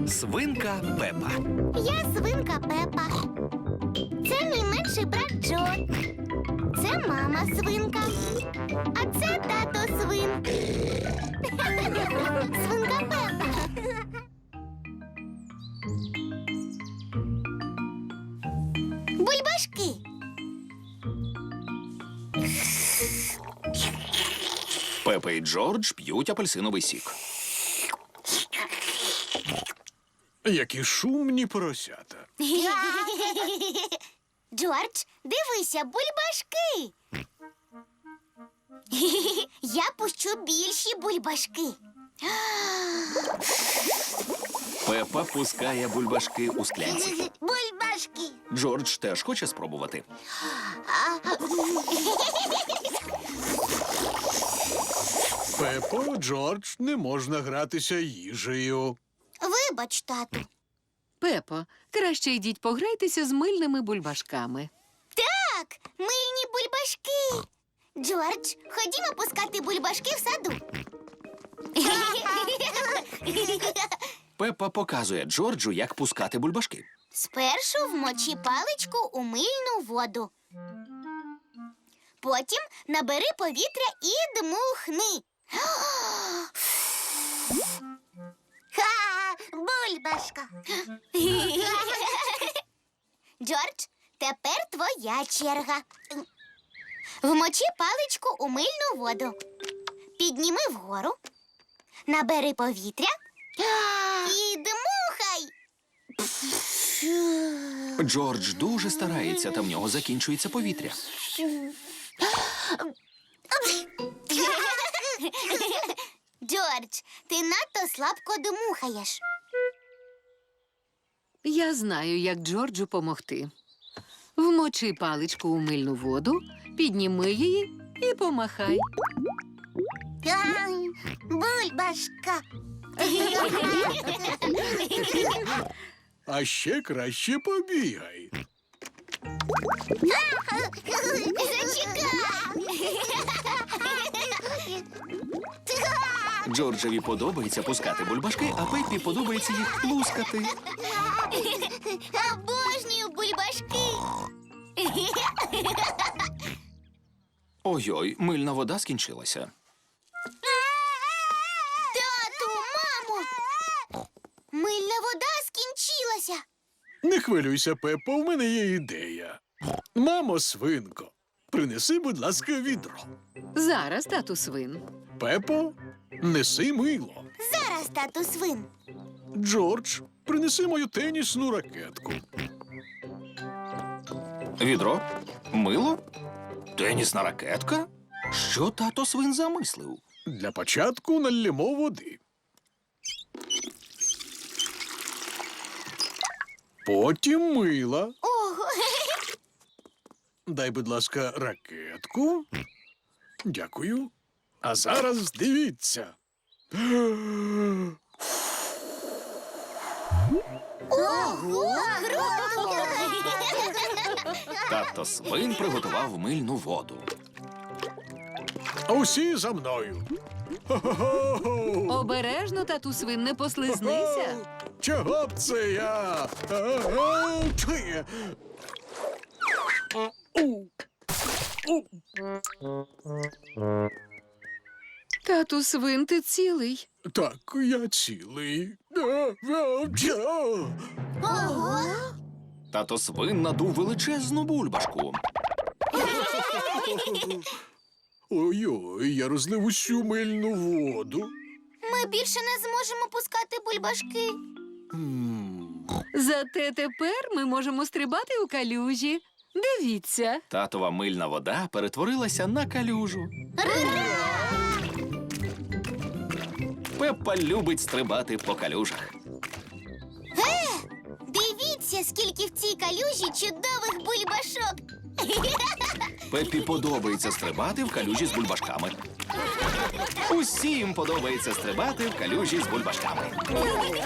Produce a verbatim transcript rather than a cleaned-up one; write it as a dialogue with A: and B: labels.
A: Свинка Пепа.
B: Я свинка Пепа. Це мій менший брат Джо. Це мама свинка. А це тато свин. Свинка Пепа. Бульбашки.
A: Пепа і Джордж п'ють апельсиновий сік.
C: Які шумні поросята.
B: Джордж, дивися, бульбашки. Я пущу більші бульбашки.
A: Пепа пускає бульбашки у склянці.
B: Бульбашки.
A: Джордж теж хоче спробувати.
C: Пепо, Джордж, не можна гратися їжею.
B: Вибач, тату.
D: Пепо, краще йдіть пограйтеся з мильними бульбашками.
B: Так, мильні бульбашки. Джордж, ходімо пускати бульбашки в саду.
A: Пепа показує Джорджу, як пускати бульбашки.
B: Спершу вмочи паличку у мильну воду. Потім набери повітря і дмухни. Ха, бульбашка. Джордж, тепер твоя черга. Вмочи паличку у мильну воду. Підніми вгору. Набери повітря і дмухай.
A: Джордж дуже старається, та в нього закінчується повітря.
B: Джордж, ти надто слабко дмухаєш.
D: Я знаю, як Джорджу помогти. Вмочи паличку у мильну воду, підніми її і помахай.
B: Бульбашка.
C: А ще краще побігай.
A: Джорджеві подобається пускати бульбашки, а Пеппі подобається їх плускати.
B: Обожнюю бульбашки.
A: Ой-ой, мильна вода скінчилася.
B: Тату, мамо. Мильна вода скінчилася.
C: Не хвилюйся, Пепо, в мене є ідея. Мамо, свинко, принеси, будь ласка, відро.
D: Зараз, тату свин.
C: Пепо, неси мило.
B: Зараз, тату свин.
C: Джордж, принеси мою тенісну ракетку.
A: Відро? Мило? Тенісна ракетка? Що тато свин замислив?
C: Для початку налємо води. Потім мила.
B: Ого.
C: Дай, будь ласка, ракетку. Дякую. А зараз дивіться.
B: Ого, круто.
A: Тато свин приготував мильну воду.
C: Усі за мною. Хо-хо-хо!
D: Обережно, тату свин, не послизнися.
C: Чого б це я? А-а-а! Чи? У. У.
D: Тату свин, ти цілий.
C: Так, я цілий. А-а-а!
B: Ого.
A: Тато свин надув величезну бульбашку.
C: Ой-ой, я розлив усю мильну воду.
B: Ми більше не зможемо пускати бульбашки.
C: М.
D: Зате тепер ми можемо стрибати у калюжі. Дивіться.
A: Татова мильна вода перетворилася на калюжу. Пеппа любить стрибати по калюжах.
B: Дивіться, скільки в цій калюжі чудових бульбашок.
A: Пеппі подобається стрибати в калюжі з бульбашками. Усім подобається стрибати в калюжі з бульбашками.